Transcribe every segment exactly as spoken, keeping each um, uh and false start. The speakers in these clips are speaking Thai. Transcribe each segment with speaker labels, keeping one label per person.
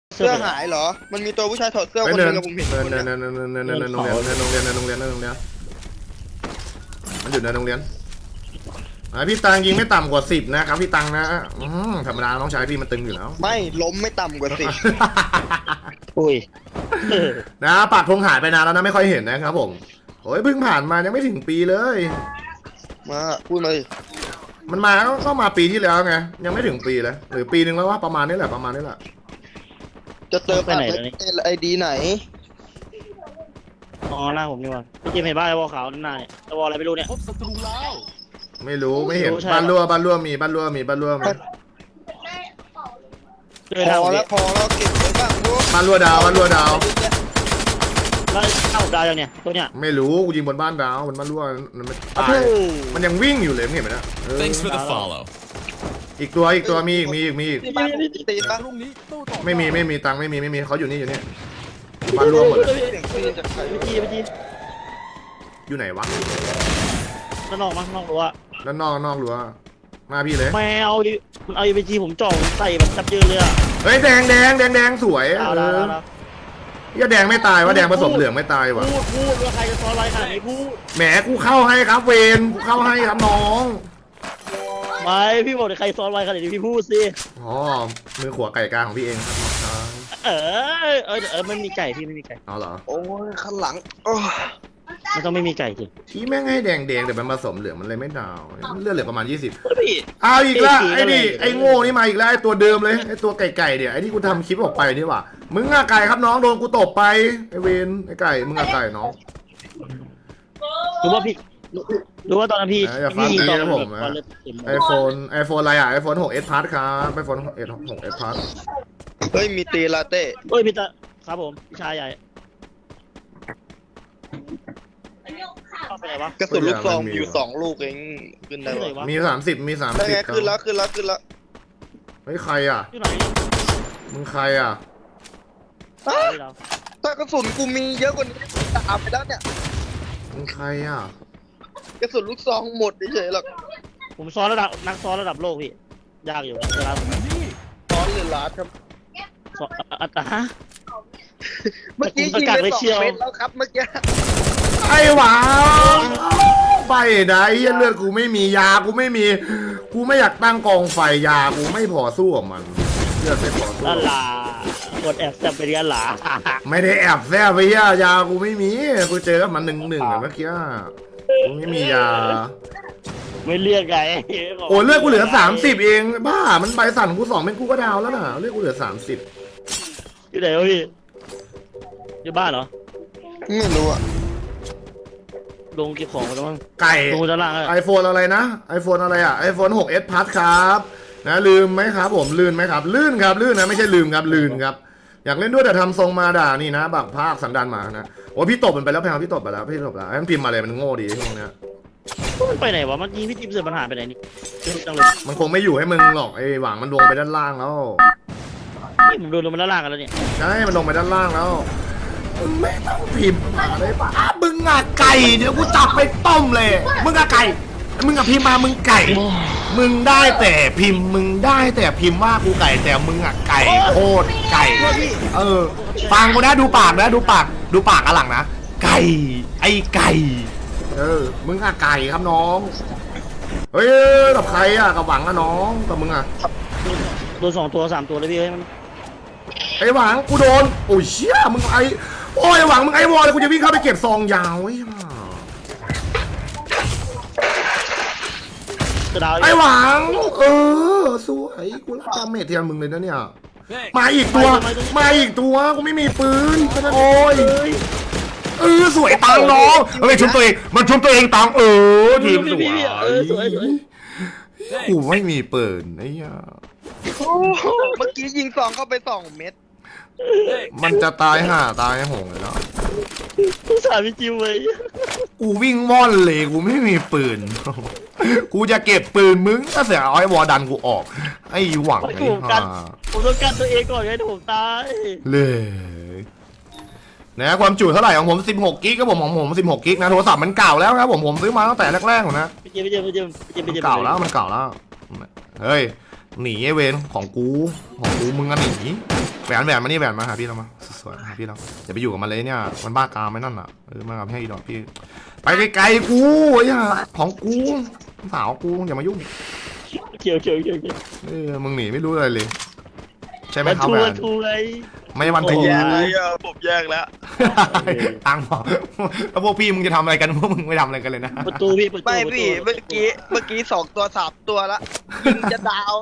Speaker 1: เสื้อหายเหรอมันมีตัวผู้ชายถอดเสื้อคนนึงกับผมเห็นคน
Speaker 2: เนิน
Speaker 1: นึ
Speaker 2: เนิ
Speaker 1: ง
Speaker 2: นเนินเนินเนินเนินโรงเรียนเนินโรงเรียนเนินโรงเรียนเนินโรงเรียนมันอยู่ในโรงเรียนพี่ตังยิงไม่ต่ำกว่าสิบนะครับพี่ตังนะธรรมดาน้องชายพี่มันตึงอยู่แล้ว
Speaker 1: ไม่ล้มไม่ต่ำกว่าสิบ
Speaker 3: อุ้ย
Speaker 2: นะปากธงหายไปนานแล้วนะไม่ค่อยเห็นนะครับผมโอ้ยเพิ่งผ่านมายังไม่ถึงปีเลย
Speaker 1: มาพูดมาดิ
Speaker 2: มันมาก็มาปีที่แล้วไงยังไม่ถึงปีเลยหรือปีหนึ่งแล้วว่าประมาณนี้แหละประมาณนี้แหละ
Speaker 1: จะเติมไอดีไหน
Speaker 3: อ๋อหน้าผมนี่วะพี่เจมเห็นบ้านไอ้วอลขาวหน้าเนี่ยไอ้วอลอะไรไม่รู้เนี่ยพบศัตรูแล้ว
Speaker 2: ไม่รู้ไม่เห็นบ้านรั่วบ้านรั่วมีบ้านรั่วมีบ้านรั่วมี
Speaker 1: พอแล้วพอแล้วเก็บไว้บ้างพวก
Speaker 2: บ้านรั่วดาวบ้านรั่วดาว
Speaker 3: แล้วเอ้าดาวยังเนี่ยตัวเนี้ย
Speaker 2: ไม่รู้กูยิงบนบ้านดาวบนบ้านรั่วมันตายมันยังวิ่งอยู่เลยไม่เห็นไหมนะ
Speaker 4: Thanks for the follow
Speaker 2: อีกตัวอีกตัวมีอีกมีอีกมีอีก
Speaker 1: ตีบ้าง
Speaker 2: ไม่มีไม่มีตังไม่มีไม่มีเขาอยู่นี่อยู่นี่บ้านรั่วหมดเลย
Speaker 3: พี่จีพี่จี
Speaker 2: อยู่ไหนวะ
Speaker 3: ด้านนอกมั้งนอกรั้ว
Speaker 2: ด้านนอกนอกรั้วมาพี่เลย
Speaker 3: แมวมันเอาพีจีผมจ่องใส่แบบจับยืนเลยอะ
Speaker 2: เฮ้ยแดงแดงแดงแดงสวยเอออย่าแดงไม่ตายวะแดงผสมเหลืองไม่ตายวะ
Speaker 3: พูดพูดว่าใครจะซ้อนอะไรขนาดนี้พูด
Speaker 2: แหมกูเข้าให้ครับเวนกูเข้าให้ครับน้อง
Speaker 3: ไม่พี่บอกใครซ้อนอะไรขนาดนี้พี่พูดสิ
Speaker 2: อ๋อมือขวาไก่กลางของพี่เองครับ
Speaker 3: เออเออเออไม่มีไก่พี่ไม่มีไก่
Speaker 2: อ๋อเหรอ
Speaker 1: โอ้ยข้างหลัง
Speaker 3: มันต้องไม่มีไก่สิ
Speaker 2: พี่แม่งให้แดงแดงแต่มันผสมเหลืองมันเลยไม่ดาวเลือดเหลือประมาณยี่สิบเอาอีกแล้วไอ้ดิไอ้โง่นี่มาอีกแล้วไอ้ตัวเดิมเลยไอ้ตัวไก่ไก่เดี๋ยวไอ้ที่กูทำคลิปออกไปนี่หว่ามึงอะไก่ครับน้องโดนกูตบไปไอ้เวนไอ้ไก่มึงอะไก่น้อง
Speaker 3: รู้ว่าพี่รู้ว่าตอนนั้นพี่
Speaker 2: พี่ยิงตอนผมไอโฟนไอโฟนอะไรอ่ะไอโฟนหกเอสพาร์ทครับไอโฟนหกเอสหกเอสพาร์ท
Speaker 1: เฮ้ยมีตีลาเต้
Speaker 3: เฮ้ยมีตาครับผมพี่ชายใหญ่
Speaker 1: กระสุนลูกซองอยู่สองลูกเองขึ้นได้
Speaker 2: วะมีสามสิบมีสามสิบ
Speaker 1: ขึ้นแล้วขึ้นแล้วขึ้นแล้ว
Speaker 2: เฮ้ยใครอ่ะมึงใครอ่ะ
Speaker 1: ถ้ากระสุนกูมีเยอะกว่านี้ตามไปแล้วเนี่ย
Speaker 2: มึงใครอ่ะ
Speaker 1: กระสุนลูกซองหมดเฉยๆหรอก
Speaker 3: ผมซ้อนระดับนักซ้อนระดับโลกพี่ยากอยู่เวลา
Speaker 1: ซ้อนเลยล้านครับ
Speaker 3: อัตฮะ
Speaker 1: เมื่อกี้ยิงไปสองเม็ดแล้วครับเมื่อกี้
Speaker 2: ไอ้หวาไปไหนเลือดกูไม่มียากูไม่มีกูไม่อยากตั้งกองไฟยากูไม่พอสู้กับมันเลือดไม่พอสู้
Speaker 3: ลาลากดแอบแซบไปเรียนหลา
Speaker 2: ไม่ได้แอบแซบไปยายากูไม่มีกูเจอกับมันหนึ่งหนึ่งเมื่อกี้กูไม่มียา
Speaker 3: ไม่เลือกไง
Speaker 2: โอ้เลือดกูเหลือสามสิบเองบ้ามันใบสั่นกูสองเป็นกูก็ดาวแล้วน่ะเลือดกูเหลือสามสิบ
Speaker 3: อยู่ไหนวะพี่อยู่บ้านเหรอ
Speaker 1: ไม่รู้อะ
Speaker 3: ลงเก็บของแล้วมั้ง
Speaker 2: ไก่
Speaker 3: ลงด้านล่าง
Speaker 2: ไอโฟนอะไรนะไอโฟนอะไรอ่ะไอโฟนหกเอสพัทครับนะลืมไหมครับผมลื่นไหมครับลื่นครับลื่นนะไม่ใช่ลืมครับลื่นครับอยากเล่นด้วยแต่ทำทรงมาด่านี่นะบักภาคสันดานมานะโอ้พี่ตบมันไปแล้วแพงพี่ตบไปแล้วพี่ตบแล้วให้มันพิมพ์มาเลยมันโง่ดีช่วงนี้
Speaker 3: มันไปไหนวะมันยิงพี่จิ๊บเสือปัญหาไปไหนนี่
Speaker 2: มันคงไม่อยู่ให้มึงหรอกไอหวังมันลงไปด้านล่างแล้ว
Speaker 3: นี่ผมโดนลงมาด้านล่างกันแล้วเนี่ย
Speaker 2: ใช่มันลงไปด้านล่างแล้วมึงไม่ต้องพิมพ์มาเลยป่ะมึงอะไก่เดี๋ยวกูจับไปต้มเลยมึงอะไก่มึงอะพิมพ์มามึงไก่มึงได้แต่พิมพ์มึงได้แต่พิมพ์ว่ากูไก่แต่มึงอะไก่โคตรไก่เออฟังกูนะดูปากนะดูปากดูปากอะหลังนะไก่ไอ้ไก่เออมึงอะไก่ครับน้องเฮ้ยกับใครอะกับหวังอะน้องกับมึงอะ
Speaker 3: โดนสองตัวสามตัวเลยพี่เฮ้ยมัน
Speaker 2: ไอ้หวังกูโดนโอ้ยเชี่ยมึงไอ้โอ้ยหวังมึงไอ้วอลเลยกูจะวิ่งเข้าไปเก็บซองยาวไอ้หวังเออสวยกูรับดาเมจเทียนมึงเลยนะเนี่ยมาอีกตัวมาอีกตัวกูไม่มีปืนโอ้ยเออสวยตังน้องเฮ้ยชุบตัวเองมันชุบตัวเองตังเออทีมสวยกูไม่มีปืนไอ้ยา
Speaker 1: เมื่อกี้ยิงสองเข้าไปสองเม็ด
Speaker 2: มันจะตายห่าตายหงเลยเนาะ
Speaker 3: กูสาพี่จิวเลย
Speaker 2: กูวิ่งว่อนเลยกูไม่มีปืนกูจะเก็บปืนมึงถ้าเสียเอาไอ้วอดันกูออกไอ้หวังไอ้ห่า
Speaker 3: ผมต้องการตัวเองก่อนไงผมตาย
Speaker 2: เลยนะความจุเท่าไหร่ของผมสิบหกกิกก็ผมของผมสิบหกกิกนะโทรศัพท์มันเก่าแล้วครับผมผมซื้อมาตั้งแต่แรกๆนะ
Speaker 3: พี่จิวพี่จิวพี่จิวพี่จิว
Speaker 2: เก่าแล้วมันเก่าแล้วเฮ้ยหนีไอเวนของกูของกูมึงอะหนีแหวนแหวนมานี่แหวนมาหาพี่เรามาสวยๆหาพี่เราอย่าไปอยู่กับมันเลยเนี่ยมันบ้ากามไม่นั่นอ่ะเออมากับให้ดอกพี่ไปไกลๆกูไอ้ห่าของกูสาวกูอย่ามายุ่ง
Speaker 3: เกี่ยวเกี่ยวเกี่ยวเกี่ยว
Speaker 2: เออมึงหนีไม่รู้อะไรเลยใช่ไหม
Speaker 3: มัน
Speaker 2: ครับ
Speaker 3: ทู
Speaker 2: แหว
Speaker 3: มัน นทูไง
Speaker 2: ไม่วัน
Speaker 1: ไม่
Speaker 2: ทู
Speaker 1: แยกเลยอ่ะผมแยกแล้ว
Speaker 2: ตังค์บอกแล้วพวกพี่มึงจะทำอะไรกันพวกมึงไม่ทำอะไรกันเลยนะ
Speaker 3: ประตูพี่ประตู
Speaker 1: ไม่
Speaker 3: ประตู
Speaker 1: พี่เมื่อกี้เมื่อกี้สองตัวสามตัวละยิงจะดาว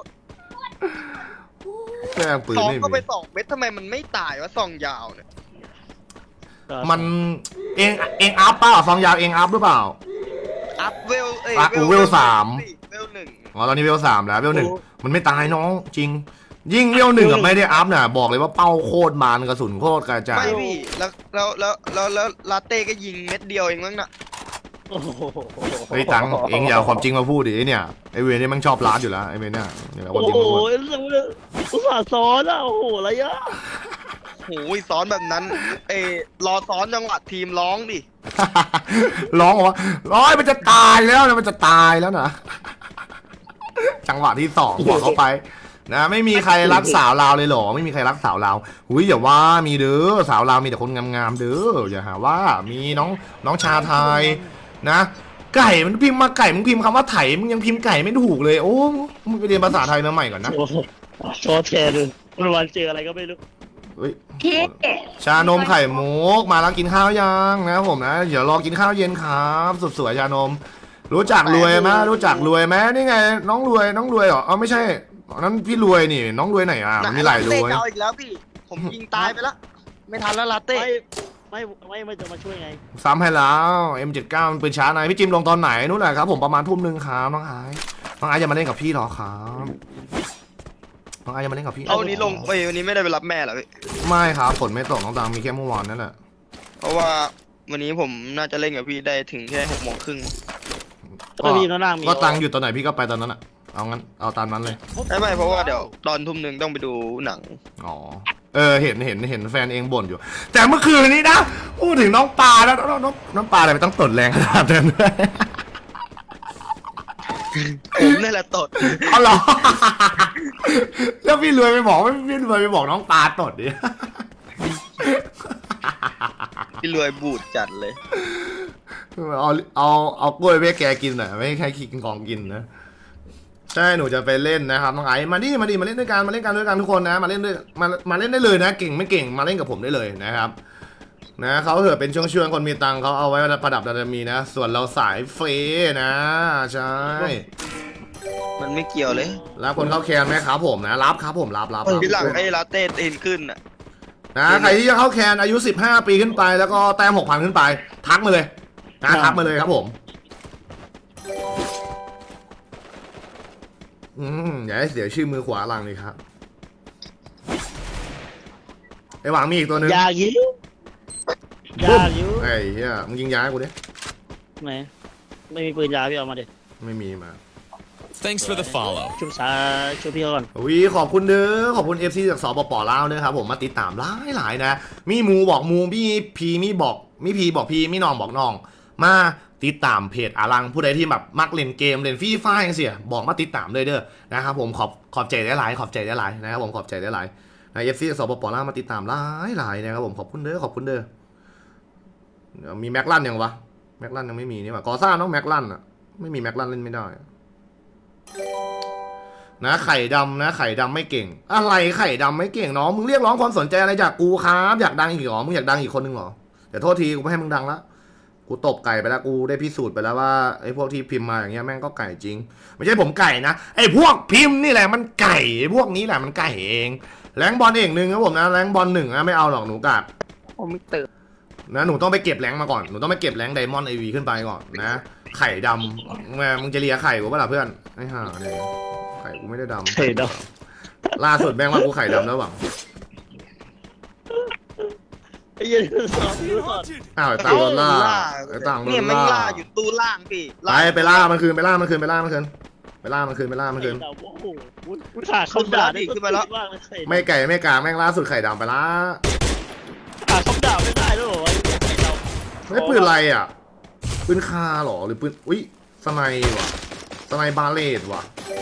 Speaker 2: แม่งปืน
Speaker 1: สอง
Speaker 2: ไม่
Speaker 1: ก็ไป
Speaker 2: มี
Speaker 1: สองเม็ดทำไมมันไม่ตายวะซองยาวเนี่ย
Speaker 2: มันเองเองอัพเปล่าฟองยาวเองอัพหรือเปล่า
Speaker 1: อัพเวลเอ้ย
Speaker 2: อ่ะกูเวลสาม
Speaker 1: เวลหนึ่ง
Speaker 2: อ๋อตอนนี้เวลสามแล้วเวลหนึ่งมันไม่ตายน้องจริง ยิ่งเวลหนึ่งอะไม่ได้อัพน่ะบอกเลยว่าเป้าโคตรมานกระสุนโคตรกระจาย
Speaker 1: ไม่พี่แล้วแล้วแล้วแล้วแล้วลาเต้ก็ยิงเม็ดเดียวเองมั้งน่ะ
Speaker 3: โอ้โห
Speaker 2: เฮ้ยตังค์เองอย่าเอาความจริงมาพูดดิไอ้เนี่ยไอเวรนี่มันชอบร้านอยู่แล้วไอเวรเนี่ยอย่าเอาความ
Speaker 3: โอ้
Speaker 2: จริง
Speaker 3: โห
Speaker 2: มาพูด
Speaker 3: เรื่องเรื่องอุตส่าห์ซ้อนอ่ะโอ้โหอะไรอ่ะ
Speaker 1: โอ้ยซ้อนแบบนั้นเอยรอซ้อนจังหวะทีมร้องดิ
Speaker 2: ร้องบอกว่าร้อยมันจะตายแล้วนะมันจะตายแล้วนะ จังหวะที่สองบอกเข้าไปนะไม่มีใครรักสาวลาวเลยเหรอไม่มีใครรักสาวลาวหุยอย่าว่ามีเด้อสาวลาวมีแต่คนงามๆเด้ออย่าหาว่ามีน้องน้องชาไทยนะไก่มันพิมพ์มาไก่มึงพิมพ์คำว่าไถมึงยังพิมพ์ไก่ไม่ถูกเลยโอ้มึงไปเรียนภาษาไทยมาใหม่ก่อนนะ
Speaker 3: โอ้โหชอแทนเลยวันวันเจออะไรก็ไม่รู้
Speaker 2: เฮ้ยชานมไข่มุกมาแล้วกินข้าวยังนะครับผมนะเดี๋ยวรอกินข้าวเย็นครับสุดสวยชานม รู้จักรวยไหมรู้จักรวยไหมนี่ไงน้องรวยน้องรวยเหรออ๋อไม่ใช่นั้นพี่รวยนี่น้องรวยไหนอ่ะมันมีหลายรวย
Speaker 1: เต้เจ้าอีกแล้วพี่ ผมยิงตายไปแล้ว ไม่ทันแล้วลาเต้
Speaker 3: ไม่ไม่ไม่ไม่จะมาช่วยไง
Speaker 2: ซ้ำให้แล้ว เอ็ม เจ็ดสิบเก้า มันปืนช้าไหนพี่จิมลงตอนไหนนู่นแหละครับผมประมาณทุ่มหนึ่งครับน้องไอ้น้องไอ้จะมาเล่นกับพี่เหรอครับน้องไอ้จะมาเล่นกับพี่
Speaker 1: เอาวันนี้ลงเอ้ยวันนี้ไม่ได้ไปรับแม่เหรอพี่
Speaker 2: ไม่ครับฝนไม่ตกน้องตังมีแค่เมื่อวานนั่นแหละ
Speaker 1: เพราะว่าวันนี้ผมน่าจะเล่นกับพี่ได้ถึงแค่หกโมงครึ่ง
Speaker 3: ก็มีข้างล่างมี
Speaker 2: ก็ตังอยู่ตอนไหนพี่ก็ไปตอนนั้นอ่ะเอางั้นเอาตามนั้นเลย
Speaker 1: ไม่ไม่เพราะว่าเดี๋ยวตอนทุ่มหนึ่งต้องไปดูหนัง
Speaker 2: อ๋อ เออ เห็น เห็น เห็นแฟนเองบ่นอยู่ แต่เมื่อคืนนี้นะ พูดถึงน้องปลาแล้วน้องน้องน้องปลาอะไรไม่ต้องตดแรงขนาดนั้นด้วย
Speaker 1: ผมนี่แหละตด
Speaker 2: เอาเหรอ แล้วพี่รวยไปบอกพี่รวยไปบอกน้องปลาตดดิ
Speaker 1: พี่รวยบูดจัดเลย
Speaker 2: เอา เอา เอากล้วยไปให้แกกินหน่อยไม่ให้ใครกินของกินนะ ใช่ หนูจะไปเล่นนะครับน้องไอ้มาดิมาดิมาเล่นด้วยกัน มาเล่นกันด้วยกันทุกคนนะ มาเล่นด้วย มา มาเล่นได้เลยนะ เก่งไม่เก่ง มาเล่นกับผมได้เลยนะครับ นะเขาเถอะเป็นช่วงๆคนมีตังค์เขาเอาไว้ประดับดารมีนะ ส่วนเราสายเฟนะ ใช่
Speaker 1: มันไม่เกี่ยวเลย
Speaker 2: รับคนเข้าแคนไหมครับผมนะ รับครับผมรับรับรับ
Speaker 1: พี่หลังไอ้ลาเต้ตีนขึ้นอ่ะ
Speaker 2: นะใครที่จะเข้าแคนอายุสิบห้าปีขึ้นไป แล้วก็แต้มหกพันขึ้นไป ทักมาเลยนะทักมาเลยครับผม อืมอย่าให้เสียชื่อมือขวาหลังเลยครับไอ้หวังมีอีกตัวหนึง
Speaker 3: ยายิ้ว
Speaker 2: ปุ๊บ
Speaker 3: ยายิ้ว
Speaker 2: ไอ้เหี้ยมึงยิงยาให้กูดิ
Speaker 3: ไหนไม่มีปืนยาพี่เอามาดิ
Speaker 2: ไม่มีมา
Speaker 4: Thanks for the follow.
Speaker 3: ชุบชาชุบพี่เขาก่อน
Speaker 2: วีขอบคุณเด้อขอบคุณ เอฟ ซี จากสปปลาวเด้อครับผมมาติดตามหลายหลายๆนะ มีหมูบอกหมูมีพีมีบอกมีพีบอกพีมีน้องบอกน้อง มาติดตามเพจอารังผู้ใดที่แบบมักเล่นเกมเล่นฟรีไฟล์เสียบอกมาติดตามเลยเด้อนะครับผมขอบขอบใจได้หลายขอบใจได้หลายนะครับผมขอบใจได้หลายใน เอฟ ซี จากสปปลาวมาติดตามหลายหลายๆนะครับผมขอบคุณเด้อขอบคุณเด้อเดี๋ยวมีแม็กลันยังวะแม็กลันยังไม่มีนี่หว่ากอซ่าน้องแม็กลันอะไม่มีแม็กลันเล่นไม่ได้นะไข่ดำนะไข่ดำไม่เก่งอะไรไข่ดำไม่เก่งน้องมึงเรียกร้องความสนใจอะไรจากกูครับอยากดังอีกเหรอมึงอยากดังอีกคนนึงเหรอเดี๋ยวโทษทีกูไม่ให้มึงดังละกูตบไก่ไปแล้วกูได้พิสูจน์ไปแล้วว่าไอ้พวกที่พิมพ์มาอย่างเงี้ยแม่งก็ไก่จริงไม่ใช่ผมไก่นะไอ้พวกพิมพ์นี่แหละมันไก่ไอ้พวกนี้แหละมันไก่เองแรงบอลเองหนึ่งครับผมนะแรงบอลหนึ่งนะไม่เอาหรอกหนูกัด
Speaker 1: ผมไม่ตื่น
Speaker 2: นะหนูต้องไปเก็บแรงมาก่อนหนูต้องไปเก็บแรงไดมอนด์ไอวีขึ้นไปก่อนนะไข่ดำแม่มึงจะเลียไข่กูเปล่าเพื่อนไอ้ห่าเนี่ยไข่กูไม่ได้ดำ
Speaker 3: เฮ้ยเดา
Speaker 2: ล่าสุดแม่งว่ากูไข่ดำแล้วหวัง
Speaker 3: ไอ้เหี้ยันสอนพี่สอน
Speaker 2: อ้าวไอ้ต่างโดนล่าไอ้ต่างโด
Speaker 1: เนี่ย
Speaker 2: น
Speaker 1: มัน
Speaker 2: ล่า
Speaker 1: ล่าอยู่ตู้ล่างพี่
Speaker 2: ไปไปล่ามันคืนไปล่ามันคืนไปล่ามันคืนไปล่ามันคืนไปล่ามันคืน
Speaker 3: ไอ้เดาโอ้โหกูขาดคำด่าได้ขึ้นมาแล้ว
Speaker 2: ไม่ไก่ไม่กลางแม่งล่าสุดไข่ดำไปละ
Speaker 3: ขาดคำด่าไม่ได้ด้วยเหรอวะไอ้เดา
Speaker 2: ไม่ปืนอะไรอ่ะปืนคาหรอหรือปืนอุ้ยสไนว่ะสไนบาเลตว่ะ